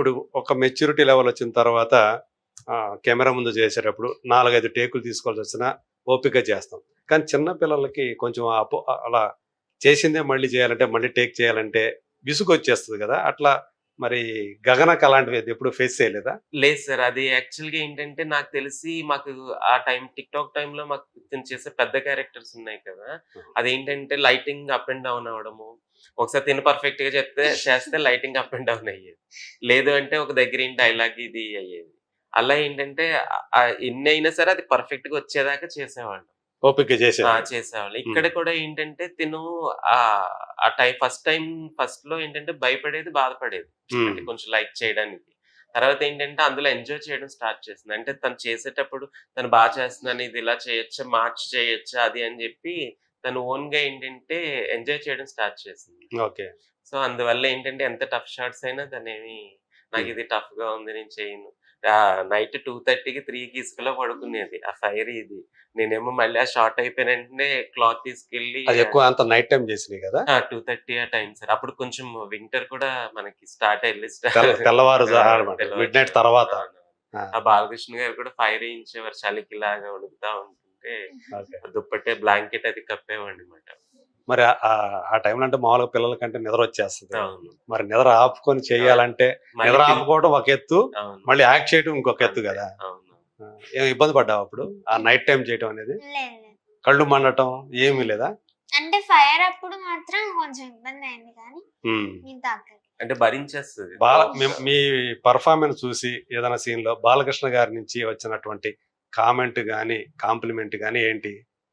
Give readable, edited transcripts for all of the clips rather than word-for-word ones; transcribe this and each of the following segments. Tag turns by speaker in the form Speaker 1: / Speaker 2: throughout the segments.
Speaker 1: ఇప్పుడు ఒక maturity level వచ్చిన తర్వాత కెమెరా ముందు చేసేటప్పుడు 4, 5 టేకులు తీసుకోవాల్సి వచ్చినా ఓపికగా చేస్తాం. కానీ చిన్న పిల్లలకి కొంచెం అలా చేసిందే మళ్ళీ చేయాలంటే, మళ్ళీ టేక్ చేయాలంటే విసుగొచ్చేస్తది గదా! అట్లా మరి 'గగనకు' అలాంటివి ఎప్పుడు ఫేస్ చేయలేదా?
Speaker 2: లేదు సార్. అది యాక్చువల్‌గా ఏంటంటే నాకు తెలిసి మాకు ఆ టిక్‌టాక్ టైమ్‌లో మాకు తిను చేసే పెద్ద క్యారెక్టర్స్ ఉన్నాయి కదా! అదేంటంటే లైటింగ్ అప్ అండ్ డౌన్ అవ్వడము. ఒకసారి తిను పర్ఫెక్ట్‌గా చేస్తే లైటింగ్ అప్ అండ్ డౌన్ అయ్యేది. లేదు అంటే ఒక దగ్గర ఏంటి డైలాగ్ ఇది అయ్యేది. అలా ఏంటంటే ఎన్నైనా సరే అది పర్ఫెక్ట్‌గా వచ్చేదాకా చేసేవాళ్ళం.
Speaker 1: ఓపికగా చేసేవాళ్ళు.
Speaker 2: చేసేవాళ్ళు.
Speaker 1: హ్మ్.
Speaker 2: ఇక్కడ కూడా ఏంటంటే తిను ఆ ఫస్ట్‌లో ఏంటంటే భయపడేది, బాధపడేది. అంటే కొంచెం లైక్ చేయడానికి. తర్వాత ఏంటంటే అందులో ఎంజాయ్ చేయడం స్టార్ట్ చేసింది. అంటే తను చేసేటప్పుడు తను చేస్తున్నాను, ఇది ఇలా చేయొచ్చా, మార్చి చేయొచ్చా అది అని జెప్పి తను ఓన్‌గా ఏంటంటే ఎంజాయ్ చేయడం స్టార్ట్ చేసింది.
Speaker 1: ఓకే.
Speaker 2: సో, అందువల్ల ఏంటంటే ఎంత టఫ్ షాట్స్ అయినా తనేమి నాకిది టఫ్‌గా ఉంది నేను చేయను. నైట్ 2:30కి 3కి ఇసుకలో పడుకునేది. ఆ ఫైర్ ఇది. నేనేమో మళ్ళీ ఆ షార్ట్ అయిపోయిన వెంటనే క్లాత్ తీసుకెళ్ళి
Speaker 1: అది ఎక్కువ అంత నైట్ టైమ్ చేసినయి గదా!
Speaker 2: 2:30 ఆ టైం సార్. అప్పుడు కొంచెం వింటర్ కూడా మనకి స్టార్ట్ ఎర్లీ
Speaker 1: తెల్లవారు మిడ్‌నైట్
Speaker 2: తెల్లవారుజామున.
Speaker 1: తర్వాత.
Speaker 2: అవునవును.
Speaker 1: ఆ!
Speaker 2: ఆ బాలకృష్ణ గారు కూడా ఫైర్ ఎయించేవారు. చలికిలాగా వణుకుతా ఉంటుంటే
Speaker 1: ఓకే.
Speaker 2: దుప్పటే బ్లాంకెట్ అది కప్పేవాడినమాట.
Speaker 1: మరి ఆ టైంలో అంటే మామూలుగా పిల్లలకంటే నిద్రొచ్చేస్తది.
Speaker 2: అవును.
Speaker 1: మరి నిద్ర ఆపుకొని చేయాలంటే
Speaker 2: మళ్ళీ
Speaker 1: నిద్ర ఆపుకోవడం ఒక ఎత్తు,
Speaker 2: అవును.
Speaker 1: మళ్ళీ యాక్ట్ చేయడం ఇంకొక ఎత్తు
Speaker 2: అంతే.
Speaker 1: గదా!
Speaker 2: అవును.
Speaker 1: ఏమి ఇబ్బంది పడ్డావా అప్పుడు? ఆ నైట్ టైమ్ చేయటం అనేది?
Speaker 3: లేదు లేదు.
Speaker 1: కళ్ళు మండటం ఏమీ లేదా?
Speaker 3: అంటే ఫైర్ అప్పుడు మాత్రం కొంచెం ఇబ్బందయింది కానీ
Speaker 1: హ్మ్.
Speaker 3: మిగతా అక్కడికి.
Speaker 2: అంటే భరించేస్తది.
Speaker 1: మీ పెర్ఫార్మన్స్ చూసి ఏదైనా సీన్‌లో బాలకృష్ణ గారి నుంచి వచ్చినటువంటి కామెంట్ గాని, కాంప్లిమెంట్ గాని ఏంటి?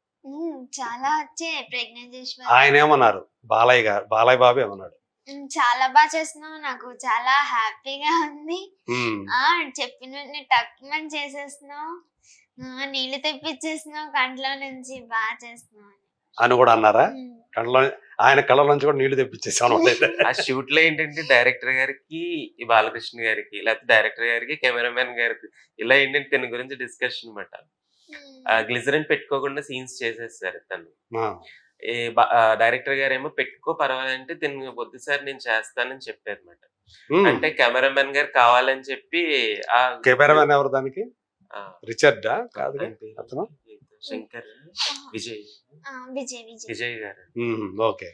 Speaker 3: చాలా వచ్చాయి ప్రెగ్నెన్సీ
Speaker 1: ఆయనేమన్నారు? బాలయ్య బాబు ఏమన్నాడు?
Speaker 3: చాలా బాగా చేస్తున్నావు. నాకు చాలా హ్యాపీగా ఉంది.
Speaker 1: హ్మ్.
Speaker 3: చెప్పిన వెంటనే టక్‌మని చేసేస్తున్నావు. నీళ్ళు తెప్పిచ్చేస్తున్నావు కంట్లో నుంచి బాగా చేస్తున్నావు
Speaker 1: అని గూడా అన్నారా?
Speaker 3: హ్మ్.
Speaker 1: ఆయన కళ్ళ నుంచి కూడా నీళ్లు తెప్పించేసావన్నమాట అయితే.
Speaker 2: ఆ షూట్‌లో ఏంటంటే డైరెక్టర్ గారికి, ఈ బాలకృష్ణ గారికి, లేకపోతే డైరెక్టర్ గారికి, కెమెరామాన్ గారికి ఇలా ఏంటంటే తిన గురించి డిస్కషన్ మాట. గ్లిజరిన్ పెట్టుకోకుండా సీన్స్ చేసేసారు తను.
Speaker 1: ఆ!
Speaker 2: డైరెక్టర్ గారేమో పెట్టుకో పర్వాలంటే తిను వద్దు సార్ నేను చేస్తానని చెప్పారన్నమాట.
Speaker 1: హ్మ్.
Speaker 2: అంటే కెమెరామాన్ గారు కావాలని చెప్పి
Speaker 1: కెమెరామాన్ ఎవరు దానికి?
Speaker 2: ఆ!
Speaker 1: రిచర్డా? కాదుగా
Speaker 2: ఆయన పేరు
Speaker 1: అతను?
Speaker 2: శంకర్, విజయ్.
Speaker 3: విజయ్.
Speaker 2: విజయ్ గారు.
Speaker 1: ఓకే.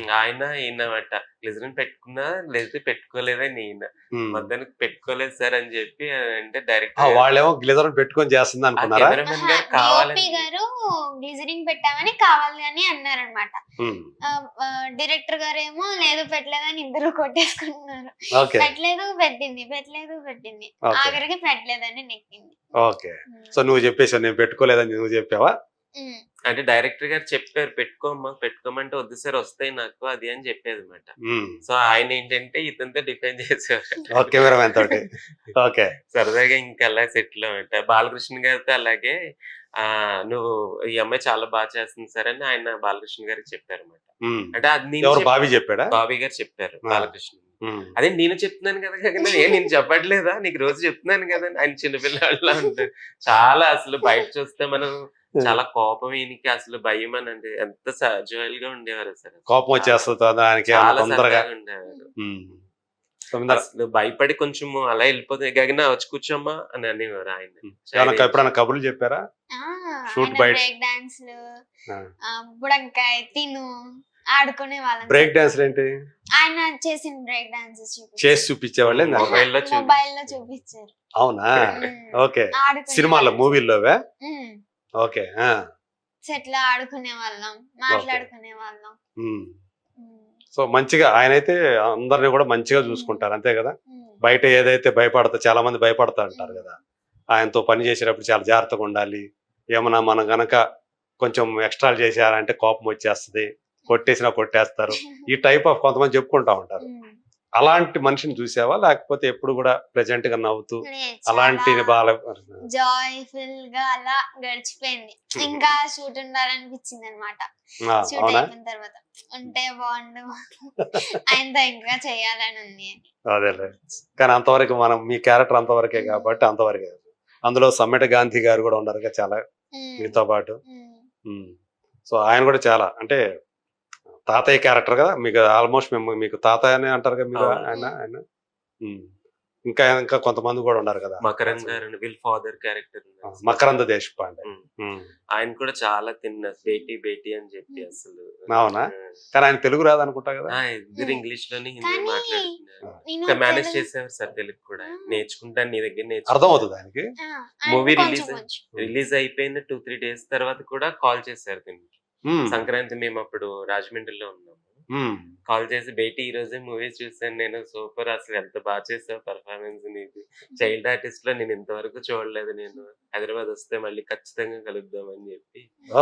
Speaker 2: ఈయనమాట. గ్లిజరిన్ పెట్టుకున్నా లేకపోతే పెట్టుకోలేదని ఈయన. మొత్తానికి పెట్టుకోలేదు సార్ అని చెప్పి అంటే డైరెక్టర్
Speaker 1: వాళ్ళేమో గ్లిజరిన్ పెట్టుకొని చేస్తుంది అనుకున్నారా?
Speaker 2: కెమెరామెన్ గారు కావాలని
Speaker 3: గారు గ్లిజరింగ్ పెట్టామని కావాలని అన్నారనమాట. డైరెక్టర్ గారేమో లేదు పెట్టలేదని ఇద్దరు కొట్టేసుకుంటున్నారు. పెట్టలేదు పెట్టింది ఆఖరికి పెట్టలేదని నెక్కింది.
Speaker 1: ఓకే. సో నువ్వు చెప్పేసావు నేను పెట్టుకోలేదని నువ్వు చెప్పావా?
Speaker 2: అంటే డైరెక్టర్ గారు చెప్పారు పెట్టుకోమంటే వద్దు సార్ వస్తాయి నాకు అది అని చెప్పేది అనమాట. సో ఆయన ఏంటంటే ఇతనితో డిఫెండ్ చేసేవారు
Speaker 1: కెమెరామెన్ తోటి. ఓకే.
Speaker 2: సరదాగా ఇంకా అలా సెటిల్ అన్నమాట. బాలకృష్ణ గారితో అలాగే నువ్వు ఈ అమ్మాయి చాలా బాగా చేస్తుంది సార్ అని ఆయన బాలకృష్ణ గారికి చెప్పారన్నమాట. అంటే అది
Speaker 1: బాబీ చెప్పాడా?
Speaker 2: బాబీ గారు చెప్పారు బాలకృష్ణ. అదే నేను చెప్తున్నాను కదా నేను చెప్పట్లేదా నీకు రోజు చెప్తున్నాను కదా ఆయన చిన్నపిల్లలా ఉంటారు. చాలా అసలు బయట చూస్తే మనం చాలా కోపం ఈయనకి అసలు భయం అని అంటే ఎంత జోయల్ గా ఉండేవారు అసలు.
Speaker 1: కోపం వచ్చేస్తుంది దానికి
Speaker 2: చాలా సరదాగా ఉండేవారు. అసలు భయపడి కొంచెం అలా వెళ్ళిపోతుంది గగన వచ్చి కూర్చోమ్మా అని అనేవారు ఆయన.
Speaker 1: ఎప్పుడైనా కబుర్లు చెప్పారా? షూట్ బయట
Speaker 3: బ్రేక్ డాన్స్లు, బుడంకాయ తిను ఆడుకునే వాళ్ళం.
Speaker 1: బ్రేక్ డాన్స్ ఏంటి?
Speaker 3: ఆయన చేసిన బ్రేక్ డాన్స్
Speaker 1: చేసి చూపించేవాళ్ళే
Speaker 3: మొబైల్లో చూపించారు.
Speaker 1: అవునా? ఓకే. సినిమాల్లో మూవీల్లోవే? ఓకే.
Speaker 3: సెట్లో ఆడుకునే వాళ్ళం, మాట్లాడుకునే వాళ్ళం.
Speaker 1: సో మంచిగా ఆయనైతే అందరిని కూడా మంచిగా చూసుకుంటారు అంతే కదా? బయట ఏదైతే చాలా మంది భయపడతా అంటారు కదా, ఆయనతో పని చేసేటప్పుడు చాలా జాగ్రత్తగా ఉండాలి. ఏమన్నా మనం గనక కొంచెం ఎక్స్ట్రాలు చేశారంటే కోపం వచ్చేస్తుంది, కొట్టేసినా కొట్టేస్తారు, ఈ టైప్ ఆఫ్ కొంతమంది చెప్పుకుంటా ఉంటారు. అలాంటి మనిషిని చూసావా లేకపోతే ఎప్పుడు కూడా ప్రెజెంట్ గా నవ్వుతూ అలాంటి
Speaker 3: జాయ్ఫుల్ గా అలా గడిచిపోయింది. ఇంకా షూట్ ఉండాలనిపించింది అనమాట. షూట్ అయిపోయిన తర్వాత ఉంటే బాగుండు ఆయనతో ఇంకా చేయాలని ఉంది.
Speaker 1: అదేలే, కానీ అంతవరకు మనం మీ క్యారెక్టర్ అంతవరకే కాబట్టి అంతవరకే. అందులో సమ్మెట గాంధీ గారు కూడా ఉన్నారు చాలా మీతో పాటు. సో ఆయన కూడా చాలా అంటే తాతయ్య క్యారెక్టర్ కదా మీకు, ఆల్మోస్ట్ మీకు తాతయ్య అనే అంటారు కదా మీరు ఆయన. ఇంకా ఇంకా కొంతమంది కూడా ఉన్నారు కదా,
Speaker 2: మకరంద్ గారు వీళ్ళ ఫాదర్ క్యారెక్టర్
Speaker 1: మకరంద దేశపాండే.
Speaker 2: ఆయన కూడా చాలా తిన్న బేటీ బేటీ అని చెప్పి అసలు.
Speaker 1: అవునా? కానీ ఆయన తెలుగు రాదనుకుంటా కదా.
Speaker 2: ఇద్దరు ఇంగ్లీష్ లోనే హిందీ
Speaker 3: కానీ
Speaker 2: మాట్లాడుతున్నారు. మేనేజ్ చేసేవారు సార్ తెలుగు కూడా. నేర్చుకుంటాను నీ దగ్గర
Speaker 1: అర్థం అవుతుంది ఆయనకి.
Speaker 2: మూవీ రిలీజ్ అయిపోయిన 2-3 days తర్వాత కూడా కాల్ చేశారు దీనికి. సంక్రాంతి మేము అప్పుడు రాజమండ్రిలో ఉన్నాము. కాల్ చేసి బేటీ ఈ రోజే మూవీ చూసాను నేను, సూపర్, అసలు ఎంత బాగా చేసావు పర్ఫార్మెన్స్ నీది, చైల్డ్ ఆర్టిస్ట్ లో నేను ఇంతవరకు చూడలేదు, నేను హైదరాబాద్ వస్తే మళ్ళీ ఖచ్చితంగా కలుద్దాం అని చెప్పి.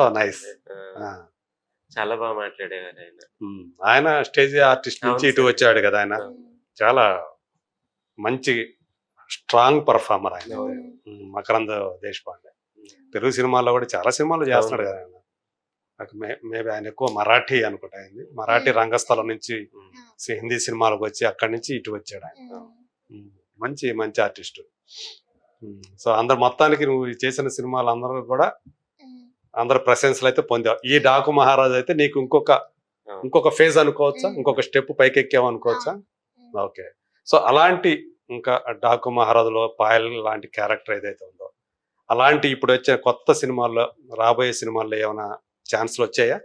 Speaker 2: చాలా బాగా మాట్లాడేవారు ఆయన.
Speaker 1: ఆయన స్టేజ్ ఆర్టిస్ట్ నుంచి ఇటు వచ్చాడు కదా, ఆయన చాలా మంచి స్ట్రాంగ్ పర్ఫార్మర్ ఆయన మకరంద దేశపాండే. తెలుగు సినిమాల్లో కూడా చాలా సినిమాలు చేస్తున్నాడు కదా ఆయన. మేబీ ఆయన ఎక్కువ మరాఠీ అనుకుంటా అయింది, మరాఠీ రంగస్థలం నుంచి హిందీ సినిమాలకు వచ్చి అక్కడి నుంచి ఇటు వచ్చాడు ఆయన. మంచి మంచి ఆర్టిస్ట్. సో అందరు మొత్తానికి నువ్వు చేసిన సినిమాలు అందరూ కూడా అందరు ప్రశంసలు అయితే పొందావు. ఈ డాకు మహారాజ్ అయితే నీకు ఇంకొక ఫేజ్ అనుకోవచ్చా, ఇంకొక స్టెప్ పైకి ఎక్కావు అనుకోవచ్చా? ఓకే. సో అలాంటి ఇంకా డాకు మహారాజులో పాయల్ లాంటి క్యారెక్టర్ ఏదైతే ఉందో, అలాంటి ఇప్పుడు వచ్చే కొత్త సినిమాల్లో రాబోయే సినిమాల్లో ఏమైనా ఛాన్స్లు వచ్చాయా?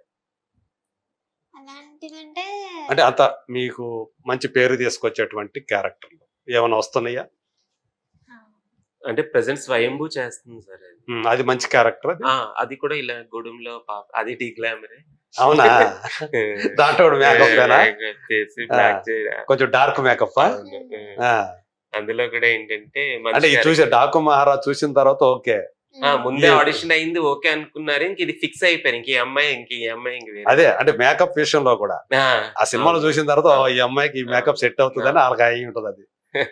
Speaker 1: అంటే అంత మీకు మంచి పేరు తీసుకొచ్చేటువంటి క్యారెక్టర్లు ఏమైనా వస్తున్నాయా?
Speaker 2: అంటే ప్రెసెంట్ స్వయంభూ చేస్తుంది సార్
Speaker 1: అది మంచి క్యారెక్టర్.
Speaker 2: అది కూడా ఇలా గూడెంలో పాప, అది టీ గ్లామరే.
Speaker 1: అవునా? దాంట్లో కొంచెం డార్క్ మేకప్.
Speaker 2: అందులో కూడా ఏంటంటే
Speaker 1: అంటే చూసే డాకు మహారాజ్ చూసిన తర్వాత ఓకే,
Speaker 2: ముందే ఆడిషన్ అయింది, ఓకే అనుకున్నారు, ఇంక ఇది ఫిక్స్ అయిపోయారు, ఇంక ఈ అమ్మాయి
Speaker 1: అదే. అంటే మేకప్ విషయంలో కూడా ఆ సినిమాలో చూసిన తర్వాత ఈ అమ్మాయికి ఈ మేకప్ సెట్ అవుతుందని వాళ్ళకి అయి ఉంటుంది అది.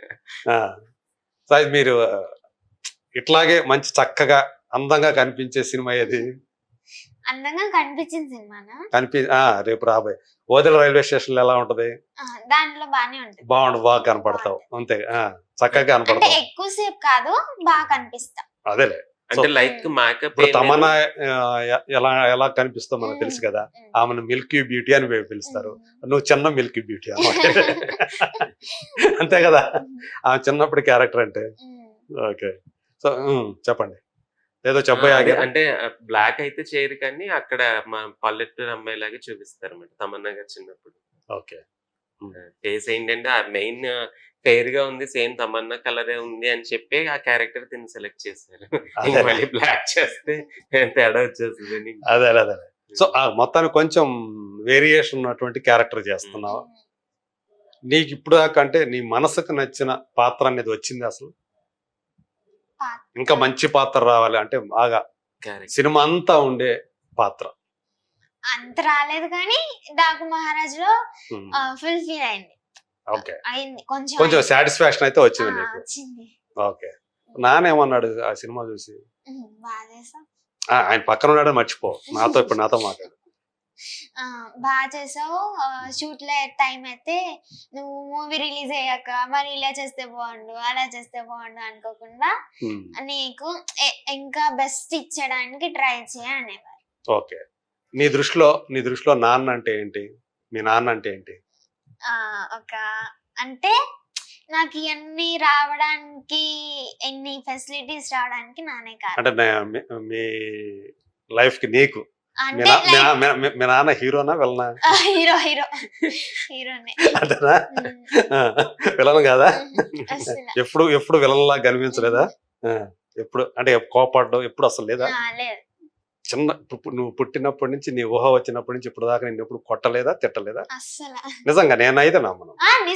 Speaker 1: సో అది మీరు ఇట్లాగే మంచి చక్కగా అందంగా కనిపించే సినిమా ఏది?
Speaker 3: అందంగా కనిపించిన
Speaker 1: సినిమా రేపు రాబోయే ఓదెల రైల్వే స్టేషన్ లో ఎలా ఉంటది?
Speaker 3: దాంట్లో బానే ఉంటుంది.
Speaker 1: బాగా కనపడతావు అంతే, చక్కగా కనపడతావు.
Speaker 3: ఎక్కువసేపు కాదు, బాగా కనిపిస్తా.
Speaker 1: అదేలే.
Speaker 2: అంటే లైక్ మేకప్.
Speaker 1: ఇప్పుడు తమన్నా ఎలా కనిపిస్తావు మనకు తెలుసు కదా, ఆమెను మిల్కీ బ్యూటీ అని పిలుస్తారు, నువ్వు చిన్న మిల్కీ బ్యూటీ అన్నమాట. అంతే కదా ఆమె చిన్నప్పుడు క్యారెక్టర్ అంటే. ఓకే. సో చెప్పండి, ఏదో చెప్పాలి.
Speaker 2: అంటే బ్లాక్ అయితే చేయరు కానీ అక్కడ మా పల్లెటూరు అమ్మాయి లాగా చూపిస్తారు అన్నమాట తమన్నా గారు చిన్నప్పుడు.
Speaker 1: ఓకే.
Speaker 2: ఫేస్ ఏంటంటే మెయిన్ ఫెయిర్ గా ఉంది, సేమ్ తమన్నా కలరే ఉంది అని చెప్పి ఆ క్యారెక్టర్ తిని సెలెక్ట్ చేశారు. మళ్ళీ బ్లాక్ చేస్తే తేడా వచ్చేస్తుంది.
Speaker 1: అదే. సో మొత్తానికి కొంచెం వేరియేషన్ ఉన్నటువంటి క్యారెక్టర్ చేస్తున్నావు. నీకు ఇప్పుడు దాకా అంటే నీ మనసుకు నచ్చిన పాత్ర అనేది వచ్చింది అసలు? ఇంకా మంచి పాత్ర రావాలి అంటే బాగా సినిమా అంతా ఉండే పాత్ర
Speaker 3: అంత రాలేదు కానీ డాకు మహారాజ్ లో ఫుల్ ఫీల్ అయింది.
Speaker 1: ఓకే.
Speaker 3: అయింది,
Speaker 1: కొంచెం సాటిస్ఫాక్షన్ అయితే వచ్చింది నీకు. ఓకే. నానేమన్నాడు ఆ సినిమా చూసి? ఆయన పక్కన ఉన్నాడు మర్చిపో, ఇప్పుడు నాతో మాట్లాడు.
Speaker 3: బాగా చేసావు, షూట్ లో టైం అయితే నువ్వు మూవీ రిలీజ్ అయ్యాక మరి ఇలా చేస్తే బాగుండు, అలా చేస్తే బాగుండు అనుకోకుండా నీకు ఇంకా బెస్ట్ ఇచ్చడానికి ట్రై అనేవారు.
Speaker 1: ఓకే. నీ దృష్టిలో నాన్న అంటే ఏంటి? మీ నాన్న అంటే ఏంటి?
Speaker 3: అంటే నాకు ఇవన్నీ రావడానికి, ఎన్ని ఫెసిలిటీస్ రావడానికి నానే కాదు.
Speaker 1: అంటే మీ లైఫ్ కి నీకు మీ నాన్న హీరోనా విలనా?
Speaker 3: హీరోనే.
Speaker 1: అదేనా? విలన్ కాదా? ఎప్పుడు విలన్ లాగా కనిపించలేదా? ఎప్పుడు అంటే కోపడ్డం ఎప్పుడు అసలు లేదా? చిన్న నువ్వు పుట్టినప్పటి నుంచి, నీ ఊహ వచ్చినప్పటి నుంచి ఇప్పుడు దాకా నిన్ను ఎప్పుడు కొట్టలేదా, తిట్టలేదా? నిజంగా నేనైతే నమ్మను.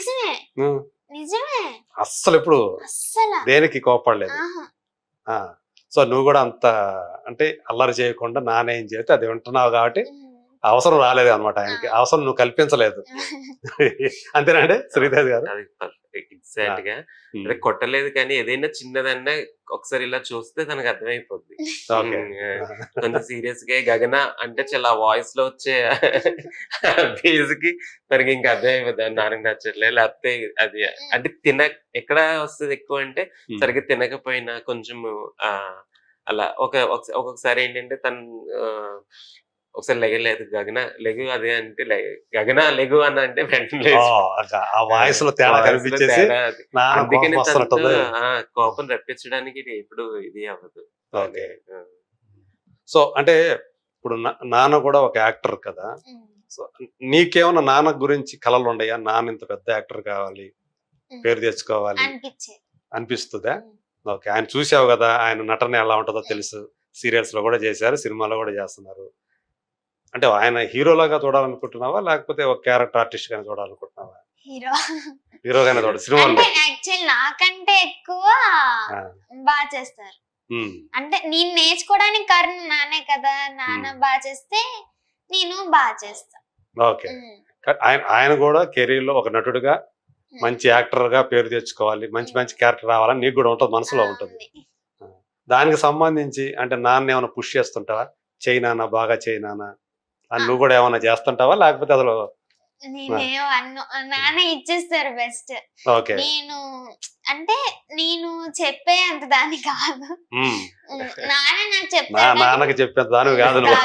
Speaker 1: అస్సలు ఎప్పుడు దేనికి కోపడలేదు. సో నువ్వు కూడా అంత అంటే అల్లరి చేయకుండా నానేం చేస్తే అది వింటున్నావు కాబట్టి అవసరం రాలేదు అనమాట ఆయనకి, అవసరం నువ్వు కల్పించలేదు. అంతేనండి శ్రీదేవి గారు?
Speaker 2: ఎగ్జాక్ట్ గా కొట్టలేదు కానీ ఏదైనా చిన్నదన్నా ఒకసారి ఇలా చూస్తే తనకు అర్థమైపోద్ది. కొంచెం సీరియస్ గా గగన అంటే చాలా వాయిస్ లో వచ్చే బేస్ కి తనకి ఇంకా అర్థమైపోద్ది, నాన్నకి నచ్చట్లేదు, లేకపోతే అది అంటే ఎక్కడ వస్తుంది ఎక్కువ అంటే సరిగ్గా తినకపోయినా కొంచెం అలా ఒక్కొక్కసారి ఏంటంటే తను ఒకసారి లెగలేదు గగన లెగు అదే అంటే గగన లెగు అన్న అంటే వెంటనే
Speaker 1: ఓ, ఆ వాయిస్ లో తేడా కనిపించేసి నాన్న
Speaker 2: అందుకని
Speaker 1: కోపం వస్తున్నట్టుంది.
Speaker 2: కోపం రప్పించడానికి ఇది ఎప్పుడు ఇది అవ్వదు.
Speaker 1: ఓకే. సో అంటే ఇప్పుడు నాన్న కూడా ఒక యాక్టర్ కదా. సో నీకేమన్నా నాన్న గురించి కలలు ఉన్నాయా? నాన్న ఇంత పెద్ద యాక్టర్ కావాలి, పేరు తెచ్చుకోవాలి
Speaker 3: అనిపించేది.
Speaker 1: అనిపిస్తుందా? ఓకే. ఆయన చూసావు కదా, ఆయన నటన ఎలా ఉంటుందో తెలుసు. సీరియల్స్ లో కూడా చేశారు, సినిమాలో కూడా చేస్తున్నారు. అంటే ఆయన హీరోలాగా చూడాలనుకుంటున్నావా, లేకపోతే ఒక క్యారెక్టర్ ఆర్టిస్ట్ గానే చూడాలనుకుంటున్నావా?
Speaker 3: హీరో
Speaker 1: హీరోగానే చూడ సినిమాలో.
Speaker 3: అంటే యాక్చువల్ నాకంటే ఎక్కువ బాగా చేస్తారు. అంటే నేను నేర్చుకోవడానికి కారణం నానే కదా. నాన్న బాగా చేస్తే నేను బాగా చేస్తా.
Speaker 1: ఓకే. ఆయన కూడా కెరీర్ లో ఒక నటుడుగా మంచి యాక్టర్ గా పేరు తెచ్చుకోవాలి, మంచి మంచి క్యారెక్టర్ రావాలని నీకు కూడా ఉంటుంది, మనసులో ఉంటుంది. దానికి సంబంధించి అంటే నాన్న ఏమైనా పుష్ చేస్తుంటావా? చైనానా, బాగా చైనానా అని నువ్వు కూడా ఏమైనా చేస్తుంటావా, లేకపోతే అసలు?
Speaker 3: నేనేమో నాన్న ఇచ్చేస్తారు బెస్ట్.
Speaker 1: ఓకే.
Speaker 3: నేను అంటే నేను చెప్పే అంత దాని కాదు. నాన్న నాకు చెప్తాడు.
Speaker 1: నాన్నకి చెప్పేంత దాని కాదు నువ్వు.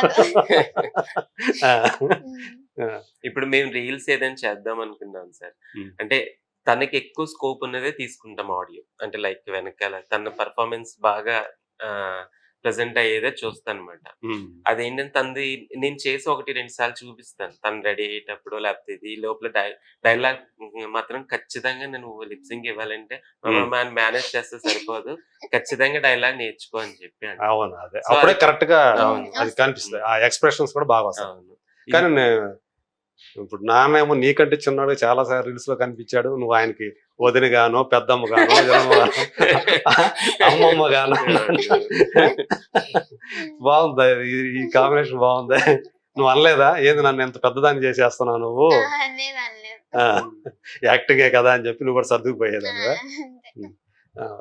Speaker 2: ఇప్పుడు మేము రీల్స్ ఏదైనా చేద్దాం అనుకున్నాం సార్. అంటే తనకి ఎక్కువ స్కోప్ ఉన్నదే తీసుకుంటాం ఆడియో. అంటే లైక్ వెనకాల తన పర్ఫార్మెన్స్ బాగా ప్రెసెంట్ అయ్యేదే చూస్తాను అనమాట. అదేంటంటే తనది నేను చేసి 1-2 సార్లు చూపిస్తాను. తను రెడీ అయ్యేటప్పుడు లేకపోతే ఇది లోపల డైలాగ్ మాత్రం ఖచ్చితంగా నేను లిప్సింగ్ ఇవ్వాలంటే మేనేజ్ చేస్తే సరిపోదు, ఖచ్చితంగా డైలాగ్ నేర్చుకో అని చెప్పి.
Speaker 1: అవును, అదే అప్పుడే కరెక్ట్ గా అది కనిపిస్తుంది. ఆ ఎక్స్ప్రెషన్స్ కూడా బాగా వస్తాయి. కానీ ఇప్పుడు నాన్నేమో నీకంటే చిన్నాడు, చాలా సార్లు రీల్స్ లో కనిపించాడు. నువ్వు ఆయనకి వదిన గానో, పెద్దమ్మ గానో, అమ్మమ్మ గానో. బాగుంది, ఈ కాంబినేషన్ బాగుంది. నువ్వు అనలేదా ఏంది నన్ను ఎంత పెద్దదాన్ని చేసేస్తున్నావు నువ్వు, యాక్టింగే కదా అని చెప్పి నువ్వు కూడా సర్దుకుపోయేదాన్ని?